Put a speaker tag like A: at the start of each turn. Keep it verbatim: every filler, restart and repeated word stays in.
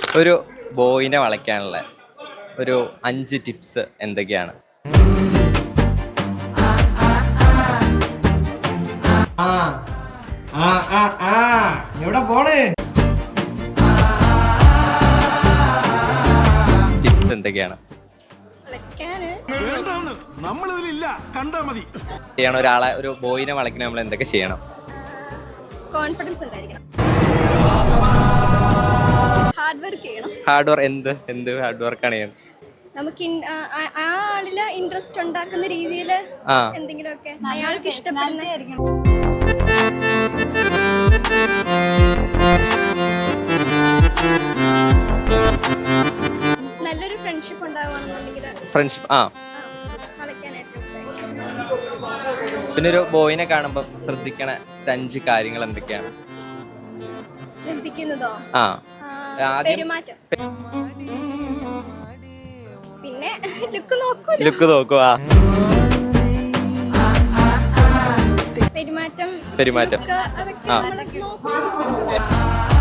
A: ഒരു ബോയിനെ വളയ്ക്കാനുള്ള ഒരു അഞ്ച് ടിപ്സ് എന്തൊക്കെയാണ്?
B: ആ ആ ആ ആ എവിടെ പോണേ?
A: ടിപ്സ് എന്തൊക്കെയാണ്? ചെയ്യണം ഒരാളെ ഒരു ബോയിനെ വളയ്ക്കണ നമ്മൾ എന്തൊക്കെ ചെയ്യണം?
C: കോൺഫിഡൻസ് ഉണ്ടായിരിക്കണം. ഹാർഡ് വർക്ക് ചെയ്യണം.
A: ഹാർഡ് വർക്ക് എന്ത് എന്ത് ഹാർഡ് വർക്കാണ് ചെയ്യണം?
C: നമുക്ക് ആ ആളില് ഇൻട്രസ്റ്റ് ഉണ്ടാക്കുന്ന രീതിയിൽ എന്തെങ്കിലുമൊക്കെ അയാൾക്ക് ഇഷ്ടപ്പെടുന്ന നല്ലൊരു ഫ്രണ്ട്ഷിപ്പ് ഉണ്ടാവുകയാണെന്നുണ്ടെങ്കിൽ
A: ഫ്രണ്ട്ഷിപ്പ് ആ
C: വളയ്ക്കാനായിട്ട്.
A: പിന്നെ ഒരു ബോയിനെ കാണുമ്പോൾ ശ്രദ്ധിക്കണ അഞ്ച് കാര്യങ്ങൾ എന്തൊക്കെയാണ്?
C: ശ്രദ്ധിക്കുന്നതോ?
A: ആ
C: പെരുമാറ്റം, പിന്നെ ലുക്ക് നോക്കൂ.
A: ലുക്ക് നോക്കുക.
C: പെരുമാറ്റം
A: പെരുമാറ്റം
C: ആ